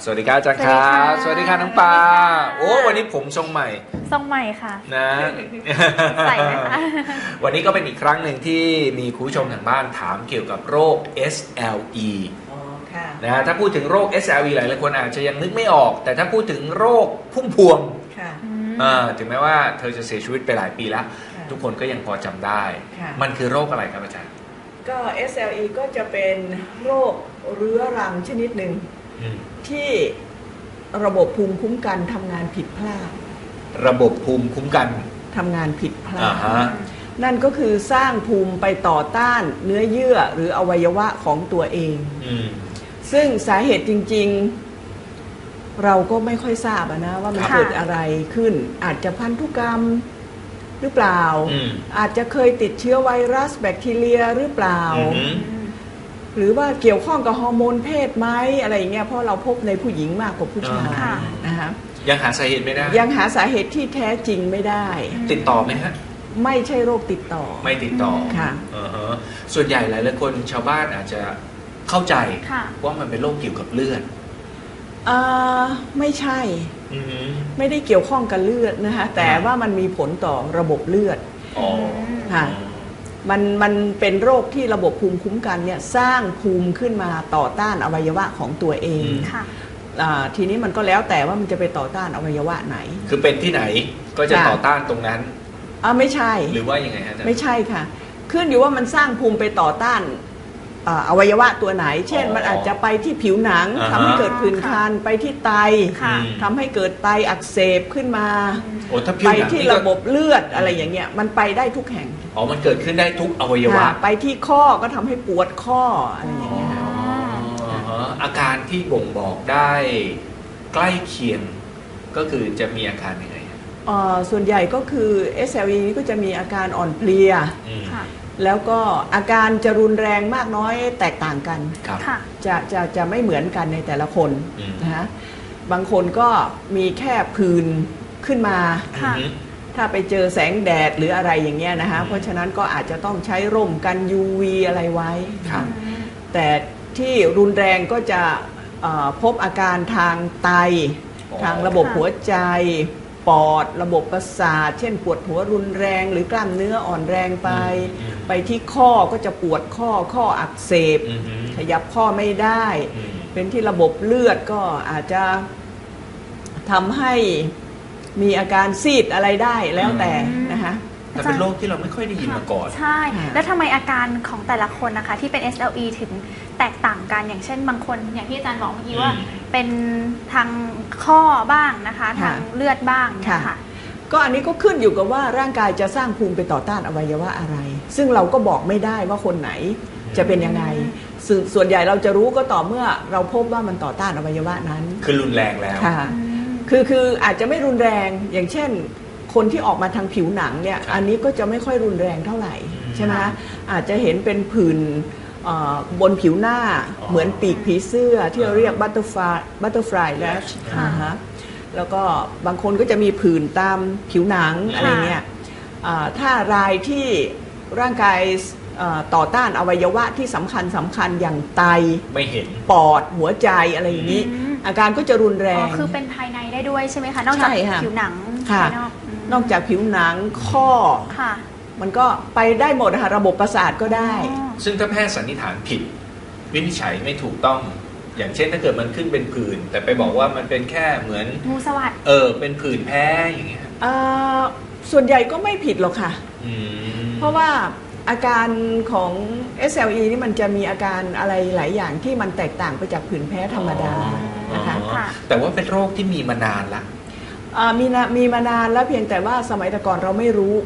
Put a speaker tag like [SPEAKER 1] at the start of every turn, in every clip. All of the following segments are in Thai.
[SPEAKER 1] สวัสดีครับอาจารย์ครับสวัสดีค่ะน้องปาโอ้วันนี้ผมทรงใหม่
[SPEAKER 2] ค่ะ
[SPEAKER 1] นะ
[SPEAKER 2] ใส่ไหมคะ
[SPEAKER 1] วันนี้ก็เป็นอีกครั้งหนึ่งที่มีคุณผู้ชมทางบ้านถามเกี่ยวกับโรค SLE นะถ้าพูดถึงโรค SLE หลายคนอาจจะยังนึกไม่ออกแต่ถ้าพูดถึงโรคพุ่มพวงถึงแม้ว่าเธอจะเสียชีวิตไปหลายปีแล้วทุกคนก็ยังพอจำได้มันคือโรคอะไรครับอาจารย์
[SPEAKER 3] ก็ SLE ก็จะเป็นโรคเรื้อรังชนิดหนึ่งที่ระบบภูมิคุ้มกันทำงานผิดพลาด
[SPEAKER 1] ระบบภูมิคุ้มกัน
[SPEAKER 3] ทำงานผิดพลาดนั่นก็คือสร้างภูมิไปต่อต้านเนื้อเยื่อหรืออวัยวะของตัวเองซึ่งสาเหตุจริงๆเราก็ไม่ค่อยทราบนะว่ามันเกิดอะไรขึ้นอาจจะพันธุกรรมหรือเปล่าอาจจะเคยติดเชื้อไวรัสแบคทีเรียหรือเปล่าหรือว่าเกี่ยวข้องกับฮอร์โมนเพศไหมอะไรอย่างเงี้ยเพราะเราพบในผู้หญิงมากกว่าผู้ชายนะคะ
[SPEAKER 1] ยังหาสาเหตุไม่ได้
[SPEAKER 3] ยังหาสาเหตุที่แท้จริงไม่ได้
[SPEAKER 1] ติดต่อไหมฮะ
[SPEAKER 3] ไม่ใช่โรคติดต่อ
[SPEAKER 1] ไม่ติดต่อ
[SPEAKER 3] ค่ะ
[SPEAKER 1] ส่วนใหญ่หลายคนชาวบ้านอาจจะเข้าใจว่ามันเป็นโรคเกี่ยวกับเลือด
[SPEAKER 3] ไม่ใช่ไม่ได้เกี่ยวข้องกับเลือดนะคะแต่ว่ามันมีผลต่อระบบเลือดค่ะมันเป็นโรคที่ระบบภูมิคุ้มกันเนี่ยสร้างภูมิขึ้นมาต่อต้านอวัยวะของตัวเองทีนี้มันก็แล้วแต่ว่ามันจะไปต่อต้านอวัยวะไหน
[SPEAKER 1] คือเป็นที่ไหนก็จะต่อต้านตรงนั้น
[SPEAKER 3] ไม่ใช่
[SPEAKER 1] หรือว่ายังไงฮะ
[SPEAKER 3] ไม่ใช่ค่ะขึ้นอยู่ว่ามันสร้างภูมิไปต่อต้านอวัยวะตัวไหนเช่นมันอาจจะไปที่ผิวหนังทำให้เกิดผื่นคันไปที่ไตทำให้เกิดไตอักเสบขึ้นมาไปที่ระบบเลือดอะไรอย่างเงี้ยมันไปได้ทุกแห่ง
[SPEAKER 1] มันเกิดขึ้นได้ทุกอวัยวะ
[SPEAKER 3] ไปที่ข้อก็ทำให้ปวดข้ออะไรอย่างเงี้ย
[SPEAKER 1] อาการที่บ่งบอกได้ใกล้เคียงก็คือจะมีอาการยังไง
[SPEAKER 3] ส่วนใหญ่ก็คือ SLE นี้ก็จะมีอาการอ่อนเพลียแล้วก็อาการจะรุนแรงมากน้อยแตกต่างกันจะไม่เหมือนกันในแต่ละคนนะฮะบางคนก็มีแค่ผื่นขึ้นมาถ้าไปเจอแสงแดดหรืออะไรอย่างเงี้ยนะฮะเพราะฉะนั้นก็อาจจะต้องใช้ร่มกัน UV อะไรไว้แต่ที่รุนแรงก็จะพบอาการทางไตทางระบบหัวใจปอดระบบประสาทเช่นปวดหัวรุนแรงหรือกล้ามเนื้ออ่อนแรงไปที่ข้อก็จะปวดข้ออักเสบขยับข้อไม่ได้เป็นที่ระบบเลือดก็อาจจะทำให้มีอาการซีดอะไรได้แล้วแต่นะคะ
[SPEAKER 1] แต่เป็นโรคที่เราไม่ค่อยได้ยินมาก่อน
[SPEAKER 2] ใช่แล้วทำไมอาการของแต่ละคนนะคะที่เป็น SLE ถึงแตกต่างกันอย่างเช่นบางคนอย่างที่อาจารย์บอกเมื่อกี้ว่าเป็นทางข้อบ้างนะคะทางเลือดบ้างค่ะ
[SPEAKER 3] ก็อันนี้ก็ขึ้นอยู่กับว่าร่างกายจะสร้างภูมิไปต่อต้านอวัยวะอะไรซึ่งเราก็บอกไม่ได้ว่าคนไหนจะเป็นยังไงส่วนใหญ่เราจะรู้ก็ต่อเมื่อเราพบว่ามันต่อต้านอวัยวะนั้น
[SPEAKER 1] คือรุนแรงแล้ว
[SPEAKER 3] ค่ะคืออาจจะไม่รุนแรงอย่างเช่นคนที่ออกมาทางผิวหนังเนี่ยอันนี้ก็จะไม่ค่อยรุนแรงเท่าไหร่ใช่ไหมอาจจะเห็นเป็นผื่นบนผิวหน้าเหมือนปีกผีเสื้อที่เราเรียกบัตเตอร์ฟลายแลชแล้วก็บางคนก็จะมีผื่นตามผิวหนังอะไรเงี้ยถ้ารายที่ร่างกายต่อต้านอวัยวะที่สำคัญอย่างไต
[SPEAKER 1] ไม่เห็น
[SPEAKER 3] ปอดหัวใจอะไรอย่างนี้อาการก็จะรุนแรง
[SPEAKER 2] คือเป็นภายในได้ด้วยใช่ไหมคะนอกจากผิวหนังภายนอก
[SPEAKER 3] นอกจากผิวหนังข้อมันก็ไปได้หมดค่ะระบบประสาทก็ได้
[SPEAKER 1] ซึ่งถ้าแพทย์สันนิษฐานผิดวินิจฉัยไม่ถูกต้องอย่างเช่นถ้าเกิดมันขึ้นเป็นผื่นแต่ไปบอกว่ามันเป็นแค่เหมือน
[SPEAKER 2] งูสวัสด์
[SPEAKER 1] เป็นผื่นแพ้อย่างเงี้ย
[SPEAKER 3] ส่วนใหญ่ก็ไม่ผิดหรอกค่ะเพราะว่าอาการของ SLE นี่มันจะมีอาการอะไรหลายอย่างที่มันแตกต่างไปจากผื่นแพ้ธรรมดานะคะ
[SPEAKER 1] แต่ว่าเป็นโรคที่มีมานานละ
[SPEAKER 3] มีมานานแล้วเพียงแต่ว่าสมัยแต่ก่อนเราไม่รู้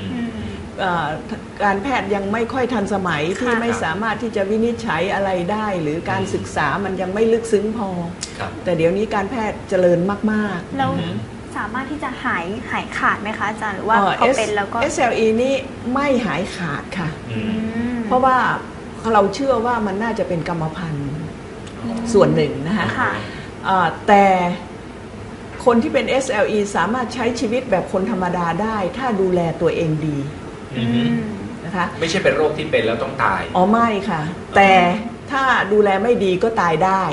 [SPEAKER 3] การแพทย์ยังไม่ค่อยทันสมัยที่ไม่สามารถที่จะวินิจฉัยอะไรได้หรือการศึกษามันยังไม่ลึกซึ้งพอแต่เดี๋ยวนี้การแพทย์เจริญมาก
[SPEAKER 2] ๆแล้วสามารถที่จะหายขาดไหมคะอาจารย์หรือว่าพอเป็นแล้วก็
[SPEAKER 3] SLE นี่ไม่หายขาดค่ะเพราะว่าเราเชื่อว่ามันน่าจะเป็นกรรมพันธุ์ส่วนหนึ่งนะคะแต่คนที่เป็น SLE สามารถใช้ชีวิตแบบคนธรรมดาได้ถ้าดูแลตัวเองดีนะคะ
[SPEAKER 1] ไม่ใช่เป็นโรคที่เป็นแล้วต้องตาย
[SPEAKER 3] ไม่ค่ะแต่ถ้าดูแลไม่ดีก็ตายได้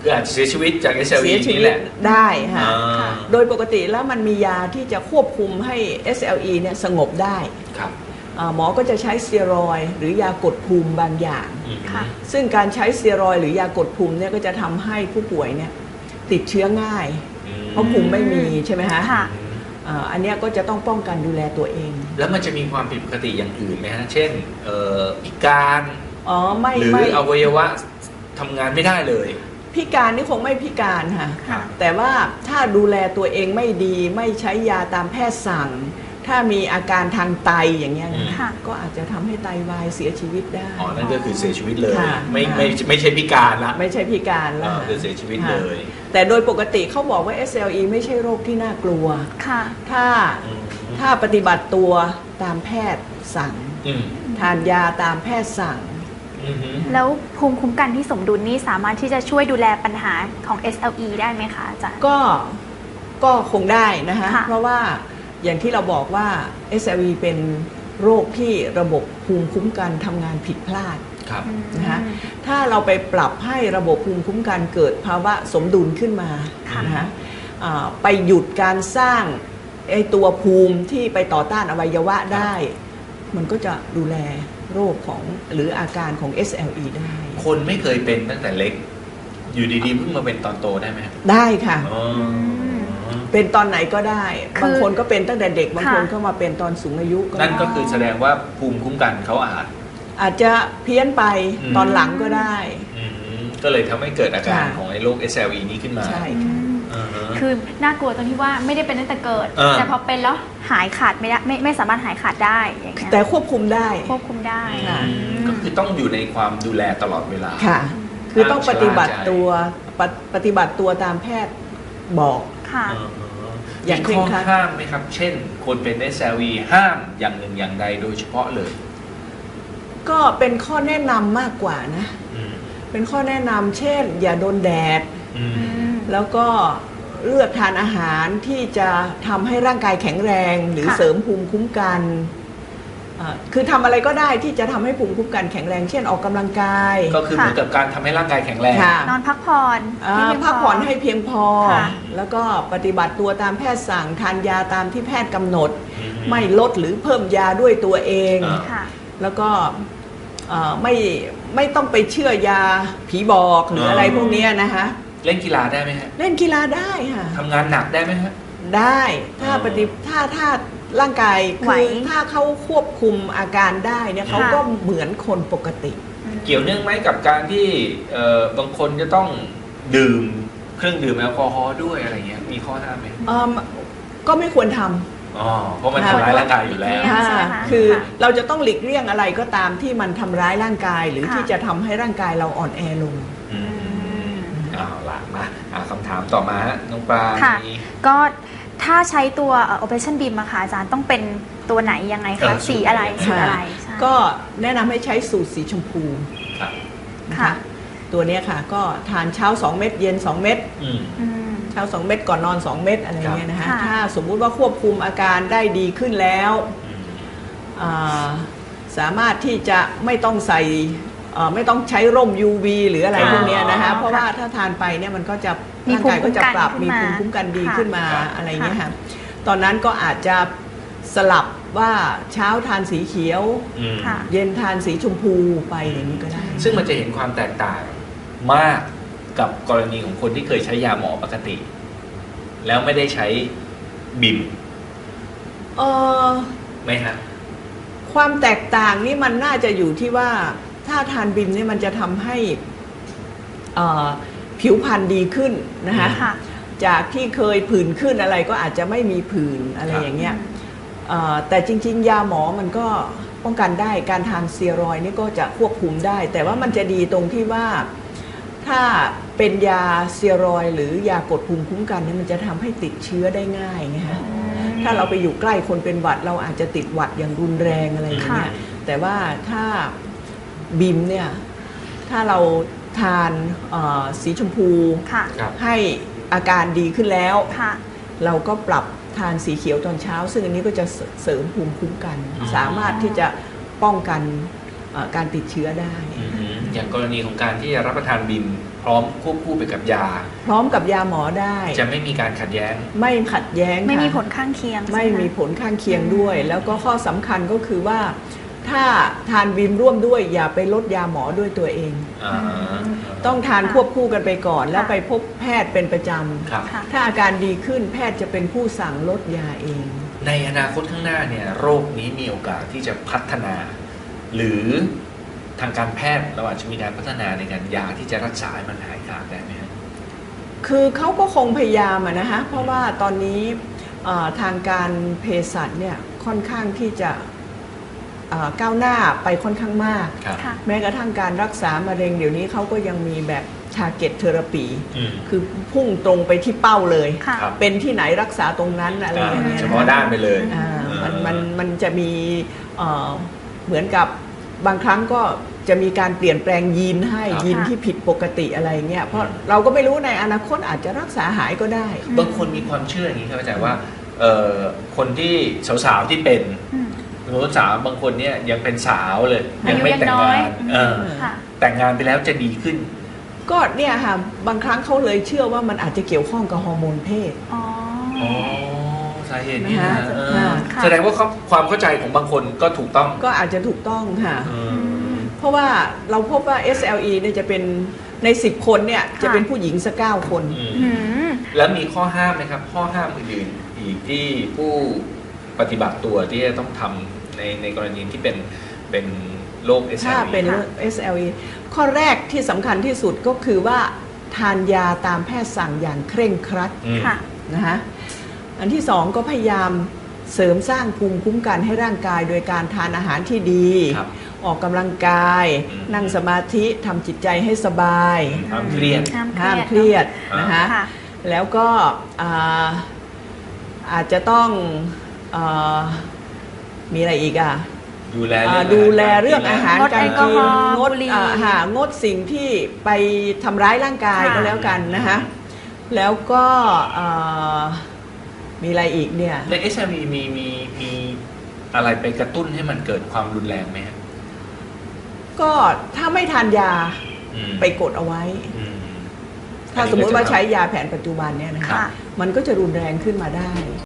[SPEAKER 1] คืออาจจะเสียชีวิตจาก
[SPEAKER 3] เสี
[SPEAKER 1] SLE
[SPEAKER 3] ยชี
[SPEAKER 1] นี่
[SPEAKER 3] วิ
[SPEAKER 1] แห
[SPEAKER 3] ต
[SPEAKER 1] ละ
[SPEAKER 3] ได้ค่ะ
[SPEAKER 1] อ่า
[SPEAKER 3] โดยปกติแล้วมันมียาที่จะควบคุมให้ SLE เนี่ยสงบได้
[SPEAKER 1] ครับ
[SPEAKER 3] หมอก็จะใช้สเตียรอยด์หรือยากดภูมิบางอย่าง
[SPEAKER 1] อืม
[SPEAKER 2] ค่ะ
[SPEAKER 3] ซึ่งการใช้สเตียรอยด์หรือยากดภูมิเนี่ยก็จะทำให้ผู้ป่วยเนี่ยติดเชื้อง่าย เพราะภูมิไม่มีใช่ไหมฮะ
[SPEAKER 2] ค่ะ
[SPEAKER 3] อันเนี้ยก็จะต้องป้องกันดูแลตัวเอง
[SPEAKER 1] แล้วมันจะมีความผิดปกติอย่างอื่นไหมฮะ เช่นพิการ
[SPEAKER 3] อ๋อไม่
[SPEAKER 1] หรือ
[SPEAKER 3] ไม่
[SPEAKER 1] อวัยวะทำงานไม่ได้เลย
[SPEAKER 3] พิการนี่คงไม่พิการค่ะ
[SPEAKER 2] ค่ะ
[SPEAKER 3] แต่ว่าถ้าดูแลตัวเองไม่ดีไม่ใช้ยาตามแพทย์สั่ง ถ้ามีอาการทางไตอย่างเงี้ยนะ
[SPEAKER 2] ค่ะ
[SPEAKER 3] ก็อาจจะทำให้ไตวายเสียชีวิตได้
[SPEAKER 1] อ๋อ นั่นก็คือเสียชีวิตเลย
[SPEAKER 3] ค่ะ
[SPEAKER 1] ไม่ใช่พิการละ
[SPEAKER 3] ไม่ใช่พิการแล้ว
[SPEAKER 1] คือเสียชีวิตเลย
[SPEAKER 3] แต่โดยปกติเขาบอกว่า SLE ไม่ใช่โรคที่น่ากลัว
[SPEAKER 2] ค่ะ
[SPEAKER 3] ถ้าปฏิบัติตัวตามแพทย์สั่ง
[SPEAKER 1] อืม
[SPEAKER 3] ทานยาตามแพทย์สั่ง
[SPEAKER 1] อืมฮึ
[SPEAKER 2] แล้วภูมิคุ้มกันที่สมดุลนี่สามารถที่จะช่วยดูแลปัญหาของ SLE ได้ไหมคะอาจารย์
[SPEAKER 3] ก็คงได้นะคะ
[SPEAKER 2] ค่ะ
[SPEAKER 3] เพราะว่าอย่างที่เราบอกว่า SLE เป็นโรคที่ระบบภูมิคุ้มกันทำงานผิดพลาด
[SPEAKER 1] ครับ
[SPEAKER 3] นะคะถ้าเราไปปรับให้ระบบภูมิคุ้มกันเกิดภาวะสมดุลขึ้นมา
[SPEAKER 2] ค่ะ
[SPEAKER 3] นะคะไปหยุดการสร้างไอตัวภูมิที่ไปต่อต้านอวัยวะได้ มันก็จะดูแลโรคของหรืออาการของ SLE ได้
[SPEAKER 1] คนไม่เคยเป็นตั้งแต่เล็ก อยู่ดีๆเพิ่งมาเป็นตอนโตได้ไหมครับ
[SPEAKER 3] ได้ค่ะ
[SPEAKER 1] อ๋อ
[SPEAKER 3] เป็นตอนไหนก็ได้
[SPEAKER 2] คือ
[SPEAKER 3] บางคนก็เป็นตั้งแต่เด็ก บางคน
[SPEAKER 2] ค่ะ
[SPEAKER 3] ก็มาเป็นตอนสูงอายุก็
[SPEAKER 1] นั่น
[SPEAKER 3] ได้
[SPEAKER 1] ก็คือแสดงว่าภูมิคุ้มกันเขา
[SPEAKER 3] อาจจะเพี้ยนไป
[SPEAKER 1] อืม
[SPEAKER 3] ตอนหลังก็ได้
[SPEAKER 1] ก็เลยทำให้เกิดอาการ
[SPEAKER 3] ค่ะ
[SPEAKER 1] ของไอ้โรค SLE นี้ขึ้นมา
[SPEAKER 3] ใช่
[SPEAKER 2] อื
[SPEAKER 3] ค่ะ
[SPEAKER 2] ม
[SPEAKER 1] อ่าฮะ
[SPEAKER 2] คือน่ากลัวตรงที่ว่าไม่ได้เป็นตั้งแต่เกิด แต่พอเป็นแล้วหายขาดไม่ได้ไม่สามารถหายขาดได้อย่างเงี้ย
[SPEAKER 3] แต่ควบคุมได้
[SPEAKER 2] ควบคุมได้
[SPEAKER 3] ค่ะ
[SPEAKER 1] ก็คือต้องอยู่ในความดูแลตลอดเวลา
[SPEAKER 3] ค่ะ คือต้องปฏิบัติ
[SPEAKER 1] ชะล่าใจ
[SPEAKER 3] ตัวปฏิบัติตัวตามแพทย์บอก
[SPEAKER 2] ค่ะ
[SPEAKER 1] อ่าฮะ
[SPEAKER 3] อย่าง
[SPEAKER 1] มีข้อ
[SPEAKER 3] เคร่งครัด
[SPEAKER 1] ห้ามไหมครับ เช่น คนเป็น SLE ห้ามอย่างหนึ่งอย่างใดโดยเฉพาะเลย
[SPEAKER 3] ก็เป็นข้อแนะนำมากกว่านะ
[SPEAKER 1] อืม
[SPEAKER 3] เป็นข้อแนะนำเช่น อย่าโดนแดด
[SPEAKER 1] อืม
[SPEAKER 3] แล้วก็เลือกทานอาหารที่จะทำให้ร่างกายแข็งแรง หรือ
[SPEAKER 2] ค่ะ
[SPEAKER 3] เสริมภูมิคุ้มกันคือทำอะไรก็ได้ที่จะทำให้ภูมิคุ้มกันแข็งแรง เช่นออกกำลังกาย
[SPEAKER 1] ก็คือเหมือนกับการทำให้ร่างกายแข็งแรง
[SPEAKER 3] ค่ะ
[SPEAKER 2] นอนพักผ่อนให้เพียงพอ
[SPEAKER 3] พักผ่อนให้เพียงพอ
[SPEAKER 2] ค่ะ
[SPEAKER 3] แล้วก็ปฏิบัติตัวตามแพทย์สั่งทานยาตามที่แพทย์กำหนด
[SPEAKER 1] อืม
[SPEAKER 3] ไม่ลดหรือเพิ่มยาด้วยตัวเอง
[SPEAKER 1] อ่า
[SPEAKER 2] ค่ะ
[SPEAKER 3] แล้วก็ไม่ต้องไปเชื่อยาผีบอกหรืออะไรพวกเนี้ยนะคะ
[SPEAKER 1] เล่นกีฬาได้ไหมฮะ
[SPEAKER 3] เล่นกีฬาได้ค่ะ
[SPEAKER 1] ทำงานหนักได้ไหมฮะ
[SPEAKER 3] ได้ถ้า
[SPEAKER 1] อ๋อ
[SPEAKER 3] ถ้าร่างกาย
[SPEAKER 2] ไหว
[SPEAKER 3] คือถ้าเขาควบคุมอาการได้เนี่ยเขา
[SPEAKER 2] ค่ะ
[SPEAKER 3] ก็เหมือนคนปกติ
[SPEAKER 1] เกี่ยวเนื่องไหมกับการที่บางคนจะต้องดื่มเครื่องดื่มแอลกอฮอล์ด้วยอะไรเงี้ย มีข้อห้ามไหม
[SPEAKER 3] ก็ไม่ควรท
[SPEAKER 1] อ๋อ เพราะมันทำร้ายร่างกายอยู่แล้ว
[SPEAKER 2] ค่ะ
[SPEAKER 3] ำ
[SPEAKER 2] ใช่ไหมคะ
[SPEAKER 3] คือ
[SPEAKER 2] ค่ะ
[SPEAKER 3] เราจะต้องหลีกเลี่ยงอะไรก็ตามที่มันทำร้ายร่างกาย หรือ
[SPEAKER 2] ค่ะ
[SPEAKER 3] ที่จะทำให้ร่างกายเราอ่อนแอลง
[SPEAKER 1] อืมเอาล่ะมาคำถามต่อมาฮะน้องปลา
[SPEAKER 2] ค่ะ
[SPEAKER 1] มี
[SPEAKER 2] ก็ถ้าใช้ตัว Operation Beam อะค่ะอาจารย์ต้องเป็นตัวไหนยังไงคะ สีอะไรสีอะไรใช่
[SPEAKER 3] ก็แนะนำให้ใช้สูตรสีชมพู
[SPEAKER 1] ครับ
[SPEAKER 3] นะ
[SPEAKER 2] ค่ะ
[SPEAKER 3] คะตัวเนี้ยค่ะก็ทานเช้า 2 เม็ดเย็น 2 เม็ด
[SPEAKER 1] อืม
[SPEAKER 2] อืม
[SPEAKER 3] เช้า 2 เม็ดก่อนนอน 2 เม็ดอะไรเงี้ยนะคะ
[SPEAKER 2] ค่ะ
[SPEAKER 3] ถ้าสมมุติว่าควบคุมอาการได้ดีขึ้นแล้ว อ่าสามารถที่จะไม่ต้องใส่ไม่ต้องใช้ร่ม UV หรืออะไร
[SPEAKER 1] อ๋อ
[SPEAKER 3] พวกเนี้ยนะคะเพราะว่าถ้าทานไปเนี่ยมันก็จะ
[SPEAKER 2] มี
[SPEAKER 3] ร่างกายก็จะปรับ
[SPEAKER 2] ภู
[SPEAKER 3] มี
[SPEAKER 2] มิ
[SPEAKER 3] ภู
[SPEAKER 2] คุ้
[SPEAKER 3] มิ
[SPEAKER 2] มกัน
[SPEAKER 3] คุ้มกันดี
[SPEAKER 2] ค่ะ
[SPEAKER 3] ขึ้นมา
[SPEAKER 1] ค่ะ
[SPEAKER 3] อะไรเงี้ยค่ะตอนนั้นก็อาจจะสลับว่าเช้าทานสีเขียว
[SPEAKER 1] อืม
[SPEAKER 2] ค่ะ
[SPEAKER 3] เย็นทานสีชมพูไปอย่างนี้ก็ได้
[SPEAKER 1] ซึ่งมันจะเห็นความแตกต่างมากกับกรณีของคนที่เคยใช้ยาหมอปกติ แล้วไม่ได้ใช้บิม
[SPEAKER 3] เอ่อ
[SPEAKER 1] ไหมฮะ
[SPEAKER 3] ความแตกต่างนี่มันน่าจะอยู่ที่ว่าถ้าทานบิมเนี่ยมันจะทำให้ผิวพรรณดีขึ้นนะคะ
[SPEAKER 2] ค่ะ
[SPEAKER 3] จากที่เคยผื่นขึ้นอะไรก็อาจจะไม่มีผื่นอะไรอย่างเงี้ยแต่จริงๆ ยาหมอมันก็ป้องกันได้การทานสเตียรอยด์นี่ก็จะควบคุมได้ แต่ว่ามันจะดีตรงที่ว่าถ้าเป็นยาสเตียรอยด์หรือยากดภูมิคุ้มกันเนี่ยมันจะทำให้ติดเชื้อได้ง่ายไงฮะถ้าเราไปอยู่ใกล้คนเป็นหวัดเราอาจจะติดหวัดอย่างรุนแรงอะไรอย่างเงี้ยแต่ว่าถ้าบิมเนี่ยถ้าเราทานสีชมพู
[SPEAKER 2] ค่ะ
[SPEAKER 1] ครับ
[SPEAKER 3] ให้อาการดีขึ้นแล้ว
[SPEAKER 2] ค่ะ
[SPEAKER 3] เราก็ปรับทานสีเขียวตอนเช้า ซึ่งอันนี้ก็จะเสริมภูมิคุ้มกัน สามารถที่จะป้องกันการติดเชื้อได้
[SPEAKER 1] อย่างกรณีของการที่จะรับประทานบิมพร้อมควบคู่ไปกับยา
[SPEAKER 3] พร้อมกับยาหมอได้
[SPEAKER 1] จะไม่มีการขัดแย้ง
[SPEAKER 3] ไม่ขัดแย้ง
[SPEAKER 2] ไม่มี
[SPEAKER 3] ค่ะ
[SPEAKER 2] ผลข้างเคียง
[SPEAKER 3] ไม่
[SPEAKER 2] ใช่ห
[SPEAKER 3] มีผลข้างเคียงด้วย แล้วก็ข้อสำคัญก็คือว่า ถ้าทานวิมร่วมด้วยอย่าไปลดยาหมอด้วยตัวเอง ต้องทานควบคู่กันไปก่อน แล้วไปพบแพทย์เป็นประจ
[SPEAKER 1] ครับ
[SPEAKER 2] ค่ะ
[SPEAKER 3] ำถ้าอาการดีขึ้นแพทย์จะเป็นผู้สั่งลดยาเอง
[SPEAKER 1] ในอนาคตข้างหน้าเนี่ยโรคนี้มีโอกาสที่จะพัฒนา หรือทางการแพทย์เราอาจจะมีการพัฒนาในการยาที่จะรักษาให้มันหายขาดได้ไหมครับ
[SPEAKER 3] คือเขาก็คงพยายามอะนะฮะเพราะว่าตอนนี้ทางการเภสัชเนี่ยค่อนข้างที่จะก้าวหน้าไปค่อนข้างมาก
[SPEAKER 1] ครับ
[SPEAKER 2] ค่ะ
[SPEAKER 3] แม้กระทั่งการรักษามะเร็งเดี๋ยวนี้เขาก็ยังมีแบบ target therapy คือพุ่งตรงไปที่เป้าเลย
[SPEAKER 2] ค่ะ
[SPEAKER 1] ครับ
[SPEAKER 3] เป็นที่ไหนรักษาตรงนั้นอะไรอย่างเงี้ย
[SPEAKER 1] เฉ
[SPEAKER 3] นะ
[SPEAKER 1] พาะด้านไปเลย
[SPEAKER 3] มันจะมีเหมือนกับบางครั้งก็จะมีการเปลี่ยนแปลงยีนให้
[SPEAKER 1] ครับ
[SPEAKER 3] ยีนที่ผิดปกติอะไรเงี้ยเพราะเราก็ไม่รู้ในอนาคตอาจจะรักษาหายก็ได้
[SPEAKER 1] บางคนมีความเชื่ออย่างนี้ครับอาจารย์ว่าคนที่สาวๆที่เป็น
[SPEAKER 2] อืม
[SPEAKER 1] สาวบางคนเนี่ยยังเป็นสาวเลย
[SPEAKER 2] อายุ
[SPEAKER 1] ไม่
[SPEAKER 2] ยัง
[SPEAKER 1] แต่ง
[SPEAKER 2] น้อย
[SPEAKER 1] งาน
[SPEAKER 2] ค่ะ
[SPEAKER 1] แต่งงานไปแล้วจะดีขึ้น
[SPEAKER 3] ก็เนี่ยค่ะบางครั้งเขาเลยเชื่อว่ามันอาจจะเกี่ยวข้องกับฮอร์โมนเพศ
[SPEAKER 2] อ๋อ
[SPEAKER 1] อ๋อสาเหตุนี้นะ
[SPEAKER 3] นะคะ ค่ะ
[SPEAKER 1] แสดงว่าความเข้าใจของบางคนก็ถูกต้อง
[SPEAKER 3] ก็อาจจะถูกต้องค่ะ
[SPEAKER 1] อืม
[SPEAKER 3] เพราะว่าเราพบว่า SLE เนี่ยจะเป็นใน 10 คนเนี่ยจะเป็นผู้หญิงสัก9 คน
[SPEAKER 2] อืม
[SPEAKER 1] แล้วมีข้อห้ามไหมครับ ข้อห้ามอื่นๆอีกที่ผู้ปฏิบัติตัวที่จะต้องทำในกรณีที่เป็นโรค SLE
[SPEAKER 3] ถ้าเป็น SLE ข้อแรกที่สำคัญที่สุดก็คือว่าทานยาตามแพทย์สั่งอย่างเคร่งครัด
[SPEAKER 1] อืม
[SPEAKER 2] ค่ะ
[SPEAKER 3] นะคะอันที่สองก็พยายามเสริมสร้างภูมิคุ้มกันให้ร่างกายโดยการทานอาหารที่ดี
[SPEAKER 1] ครับ
[SPEAKER 3] ออกกำลังกาย
[SPEAKER 1] อืม
[SPEAKER 3] นั่งสมาธิทำจิตใจให้สบาย
[SPEAKER 1] ห้ามเครียด
[SPEAKER 3] ห้ามเครียด
[SPEAKER 1] อ่าน
[SPEAKER 3] นะคะ
[SPEAKER 2] ค่ะ
[SPEAKER 3] แล้วก็อาจจะต้องมีอะไรอีกอ่ะ
[SPEAKER 1] ดูแล
[SPEAKER 3] เรื่องอาหาร
[SPEAKER 2] งด
[SPEAKER 3] การ
[SPEAKER 2] แอลกอ
[SPEAKER 3] กิ
[SPEAKER 2] ฮ
[SPEAKER 3] น
[SPEAKER 2] อล์
[SPEAKER 3] งด
[SPEAKER 2] บุหรี่
[SPEAKER 3] งดสิ่งที่ไปทำร้ายร่างกาย
[SPEAKER 2] ค่ะ
[SPEAKER 3] ก็แล้วกันนะคะแล้วก็มีอะไรอีกเนี่ย
[SPEAKER 1] ใน SLE มีอะไรไปกระตุ้นให้มันเกิดความรุนแรงไหมครับ
[SPEAKER 3] ก็ถ้าไม่ทานยา
[SPEAKER 1] อืม
[SPEAKER 3] ไปกดเอาไว้
[SPEAKER 1] อืม
[SPEAKER 3] ถ้าสมมุติว่าใช้ยาแผนปัจจุบันเนี่ยนะคะ
[SPEAKER 2] ค่ะ
[SPEAKER 3] มันก็จะรุนแรงขึ้นมาได้